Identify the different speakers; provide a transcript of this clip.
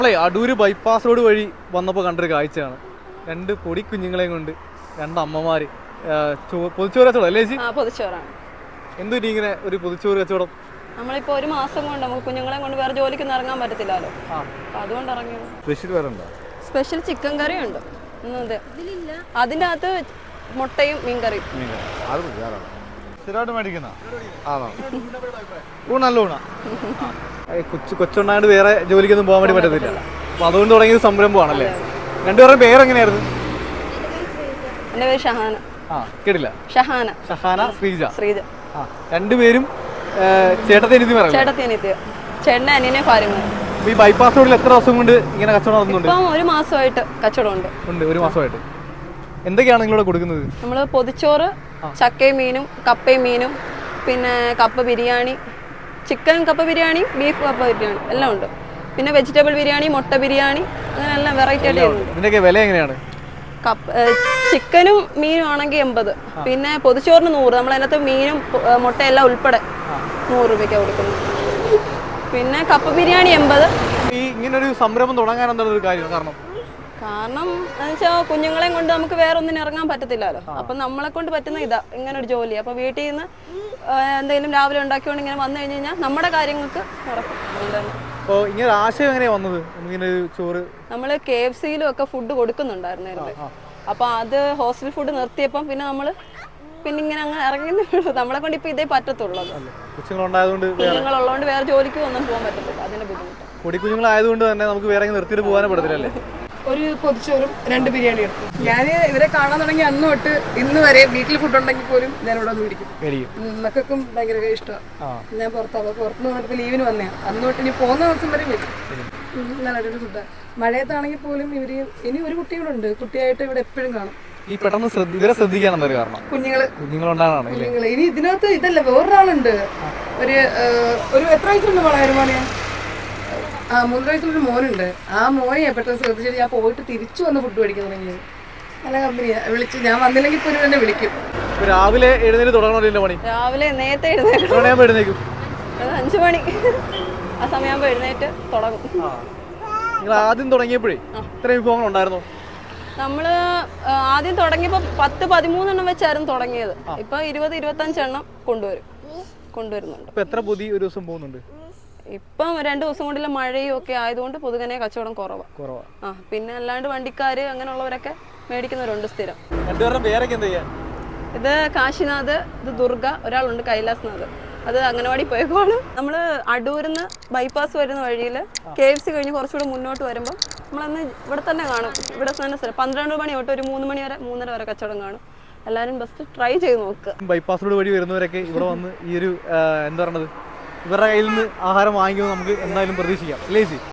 Speaker 1: Adoor bypass road വഴി വന്നപ്പോൾ കണ്ടൊരു കാഴ്ചയാണ്. രണ്ട് പൊടി കുഞ്ഞുങ്ങളെയും കൊണ്ട് രണ്ട് അമ്മമാര് പൊതിച്ചോറ് കച്ചവടം അല്ലേ ചേച്ചി?
Speaker 2: പൊതിച്ചോറാണ്.
Speaker 1: എന്തുപറ്റി ഇങ്ങനെ ഒരു പൊതിച്ചോറ് കച്ചവടം?
Speaker 2: നമ്മളിപ്പോ ഒരു മാസം കൊണ്ട് നമുക്ക് കുഞ്ഞുങ്ങളെ കൊണ്ട് വേറെ ജോലിക്കൊന്നും ഇറങ്ങാൻ പറ്റത്തില്ലല്ലോ, അതുകൊണ്ട് ഇറങ്ങിയത്. സ്പെഷ്യൽ ചിക്കൻ കറി ഉണ്ട്, അതിൻ്റെ അകത്ത് മുട്ടയും മീൻകറിയും.
Speaker 1: കൊച്ചുണ്ടായിട്ട് വേറെ ജോലിക്കൊന്നും പോകാൻ വേണ്ടി പറ്റത്തില്ല, അപ്പൊ അതുകൊണ്ട് തുടങ്ങിയ സംരംഭമാണല്ലേ? രണ്ടുപേരുടെ പേരെങ്ങനെയായിരുന്നു?
Speaker 2: എൻ്റെ പേര് ഷഹാന.
Speaker 1: കേട്ടില്ല.
Speaker 2: ഷഹാന.
Speaker 1: ഷഹാന, ശ്രീജ.
Speaker 2: ശ്രീജ.
Speaker 1: രണ്ടുപേരും
Speaker 2: ചേട്ടൻ്റെ അനിയനെ ഭാര്യമാർ.
Speaker 1: ഈ ബൈപ്പാസ് റോഡിൽ എത്ര ദിവസം കൊണ്ട് ഇങ്ങനെ കച്ചവടം നടത്തുന്നുണ്ട്?
Speaker 2: ഇപ്പം ഒരു മാസമായിട്ട് കച്ചവടം ഉണ്ട്.
Speaker 1: ഒരു മാസമായിട്ട് എന്തൊക്കെയാണ് നിങ്ങളിവിടെ കൊടുക്കുന്നത്?
Speaker 2: നമ്മൾ പൊതിച്ചോറ്, ചക്കയും മീനും, കപ്പയും മീനും, പിന്നെ കപ്പ ബിരിയാണി, ചിക്കൻ കപ്പ ബിരിയാണി, ബീഫ് കപ്പ ബിരിയാണി എല്ലാം ഉണ്ട്. പിന്നെ വെജിറ്റബിൾ ബിരിയാണി, മുട്ട ബിരിയാണി, അങ്ങനെ എല്ലാം വെറൈറ്റി ആയിട്ട് ചെയ്യുന്നുണ്ട്.
Speaker 1: ഇതിൻ്റെയൊക്കെ വില എങ്ങനെയാണ്?
Speaker 2: ചിക്കനും മീനും ആണെങ്കിൽ 80, പിന്നെ പൊതിച്ചോറിന് 100. നമ്മൾ അതിനകത്ത് മീനും മുട്ടയെല്ലാം ഉൾപ്പെടെ 100 രൂപയ്ക്കാണ് കൊടുക്കുന്നത്. പിന്നെ കപ്പ ബിരിയാണി 80.
Speaker 1: ഈ ഇങ്ങനൊരു സംരംഭം തുടങ്ങാൻ എന്താണ് ഒരു കാര്യം?
Speaker 2: കാരണം എന്ന് വെച്ചാൽ കുഞ്ഞുങ്ങളെയും കൊണ്ട് നമുക്ക് വേറെ ഒന്നിനും ഇറങ്ങാൻ പറ്റത്തില്ലല്ലോ. അപ്പം നമ്മളെ കൊണ്ട് പറ്റുന്ന ഇതാ ഇങ്ങനെ ഒരു ജോലി. അപ്പോൾ വീട്ടിൽ നിന്ന് എന്തെങ്കിലും രാവിലെ ഉണ്ടാക്കിക്കൊണ്ട് ഇങ്ങനെ വന്നു കഴിഞ്ഞ് കഴിഞ്ഞാൽ നമ്മുടെ കാര്യങ്ങൾക്ക് നടക്കും.
Speaker 1: അപ്പോൾ ഇങ്ങനെ ആശയം എങ്ങനെയാണ് വന്നത്? ഇങ്ങനെ ഒരു ചോറ്
Speaker 2: നമ്മൾ KFC-യിലും ഒക്കെ ഫുഡ് കൊടുക്കുന്നുണ്ടായിരുന്നേ. അപ്പോൾ അത് ഹോസ്റ്റൽ ഫുഡ് നിർത്തിയപ്പം പിന്നെ നമ്മൾ ഇങ്ങനെ അങ്ങ് ഇറങ്ങുന്നേ ഉള്ളൂ. നമ്മളെ കൊണ്ട് ഇപ്പം ഇതേ പറ്റത്തുള്ളൂ. കുഞ്ഞുങ്ങളുള്ളതുകൊണ്ട് വേറെ ജോലിക്ക് ഒന്നും പോകാൻ പറ്റത്തില്ല, അതിന്റെ ബുദ്ധിമുട്ട്.
Speaker 1: പൊടിക്കുഞ്ഞുങ്ങളായതുകൊണ്ട് തന്നെ നമുക്ക് വേറെ നിർത്തിയിട്ട് പോകാനേ പറ്റത്തില്ലല്ലേ?
Speaker 3: ഒരു പൊതിച്ചോറും 2 ബിരിയാണി എടുത്തു. ഞാൻ ഇവരെ കാണാൻ തുടങ്ങി അന്ന് തൊട്ട് ഇന്ന് വരെ വീട്ടിൽ ഫുഡ് ഉണ്ടെങ്കിൽ പോലും ഞാൻ ഇവിടെ വന്ന് പിടിക്കും. മക്കൾക്കും ഭയങ്കര ഇഷ്ടമാണ്. ഞാൻ പുറത്തുനിന്ന് വന്നപ്പോൾ ലീവിന് വന്നതാണ്. അന്ന് തൊട്ട് ഇനി പോകുന്ന ദിവസം വരെ വരും. നല്ല അടിപൊളി ഫുഡാണ്. മഴയത്താണെങ്കിൽ പോലും ഇവര് ഇനി ഒരു കുട്ടികളുണ്ട്, കുട്ടിയായിട്ട് ഇവിടെ എപ്പോഴും കാണും.
Speaker 1: ഈ പെട്ടെന്ന് ഇവരെ ശ്രദ്ധിക്കാൻ കാരണം
Speaker 3: കുഞ്ഞുങ്ങള് ഇനി ഇതിനകത്ത് ഇതല്ല, വേറൊരാളുണ്ട്. ഒരു എത്ര വയസ്സുണ്ട് മോളെ? 3 വയസ്സുള്ളൊരു മോനുണ്ട്. ആ മോനെ പെട്ടെന്ന് ശ്രദ്ധിച്ചിട്ട് ഞാൻ പോയിട്ട് തിരിച്ചു വന്ന് ഫുഡ് മേടിക്കാൻ തുടങ്ങിയത്. നല്ല കമ്പനിയാ. വിളിച്ച് ഞാൻ വന്നില്ലെങ്കിൽ പോലും എന്നെ വിളിക്കും.
Speaker 1: രാവിലെ എഴുന്നേറ്റ് തുടങ്ങണമല്ലോ പണി?
Speaker 2: രാവിലെ നേരത്തെ എഴുന്നേക്കും. 5 മണി ആ സമയമാകുമ്പോൾ എഴുന്നേറ്റ് തുടങ്ങും.
Speaker 1: നിങ്ങൾ ആദ്യം തുടങ്ങിയപ്പോഴേ ഇത്ര വിഭവങ്ങൾ ഉണ്ടായിരുന്നോ?
Speaker 2: നമ്മള് ആദ്യം തുടങ്ങിയപ്പോൾ 10-13 എണ്ണം വെച്ചായിരുന്നു തുടങ്ങിയത്. ഇപ്പൊ 20-25 എണ്ണം കൊണ്ടുവരുന്നുണ്ട്.
Speaker 1: എത്ര പൊതി ഒരു ദിവസം പോകുന്നുണ്ട്?
Speaker 2: ഇപ്പം 2 ദിവസം കൊണ്ടുള്ള മഴയും ഒക്കെ ആയതുകൊണ്ട് പൊതുവെ കച്ചവടം കുറവാ. പിന്നെ അല്ലാണ്ട് വണ്ടിക്കാര് അങ്ങനെയുള്ളവരൊക്കെ മേടിക്കുന്നവരുണ്ട് സ്ഥിരം. ഇത് കാശിനാഥ്, ഇത് ദുർഗ, ഒരാളുണ്ട് കൈലാസ്നാഥ്. അത് അംഗനവാടി പോയേക്കോളൂ. നമ്മൾ അടൂരിന്ന് ബൈപ്പാസ് വരുന്ന വഴിയിൽ KFC കഴിഞ്ഞ് കുറച്ചുകൂടെ മുന്നോട്ട് വരുമ്പോൾ നമ്മളന്ന് ഇവിടെ തന്നെ കാണും. ഇവിടെ തന്നെ 12 മണി തൊട്ട് ഒരു 3 മണി വരെ 3:30 വരെ കച്ചവടം കാണും. എല്ലാവരും ബസ് ട്രൈ ചെയ്ത് നോക്കുക.
Speaker 1: ബൈപ്പാസ് റോഡ് വഴി വരുന്നവരൊക്കെ ഇവിടെ വന്ന് ഈ ഒരു എന്താ പറയുന്നത്, ഇവരുടെ കയ്യിൽ നിന്ന് ആഹാരം വാങ്ങിക്കുമ്പോൾ നമുക്ക് എന്തായാലും പ്രതീക്ഷിക്കാം അല്ലേ?